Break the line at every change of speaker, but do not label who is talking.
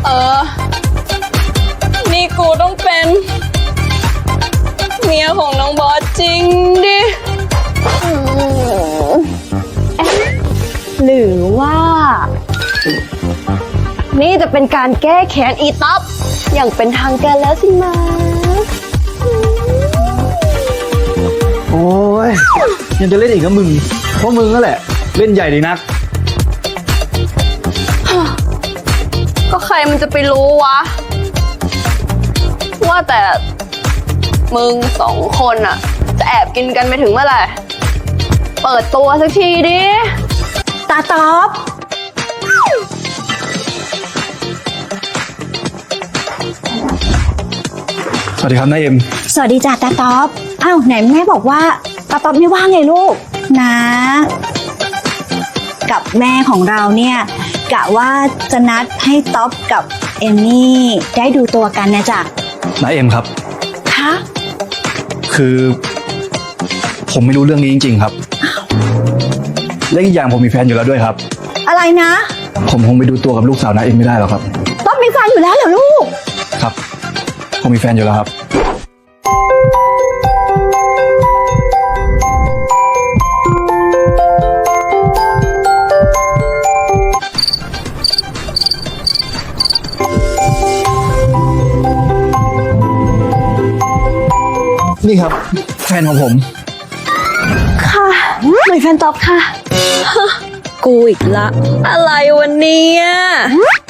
เออนี่กูต้องเป็นเมียของน้องบอสจริงดิ
หรือว่า นี่จะเป็นการแก้แค้นอีต๊อบอย่างเป็นทางการแล้วสิมา
โอ้ยยังจะเล่นอีกนะมึงเพราะมึงนั่นแหละเล่นใหญ่ดีนัก
ก็ใครมันจะไปรู้วะว่าแต่มึง2 คนอะจะแอบกินกันไปถึงเมื่อไหร่เปิดตัวสักทีดิ
ตาต๊อบ
สวัสดีครับนายเอ็ม
สวัสดีจ้าตาต๊อบอ้าวไหนแม่บอกว่าตาต๊อบไม่ว่างไงลูกนะกับแม่ของเราเนี่ยกะว่าจะนัดให้ต๊อบกับเอมมี่ได้ดูตัวกันนะจ๊ะ
นายเอ็มครับ
คะ
คือผมไม่รู้เรื่องนี้จริงๆครับและอีกอย่างผมมีแฟนอยู่แล้วด้วยครับ
อะไรนะ
ผมคงไปดูตัวกับลูกสาวนายเอ็มไม่ได้หรอกครับ
ต๊อบมีแฟนอยู่แล้วเหรอลูก
ครับผมมีแฟนอยู่แล้วครับนี่ครับแฟนของผม
ค่ะไม่แฟนต๊อบค่ะ
กูอีกละอะไรวันนี้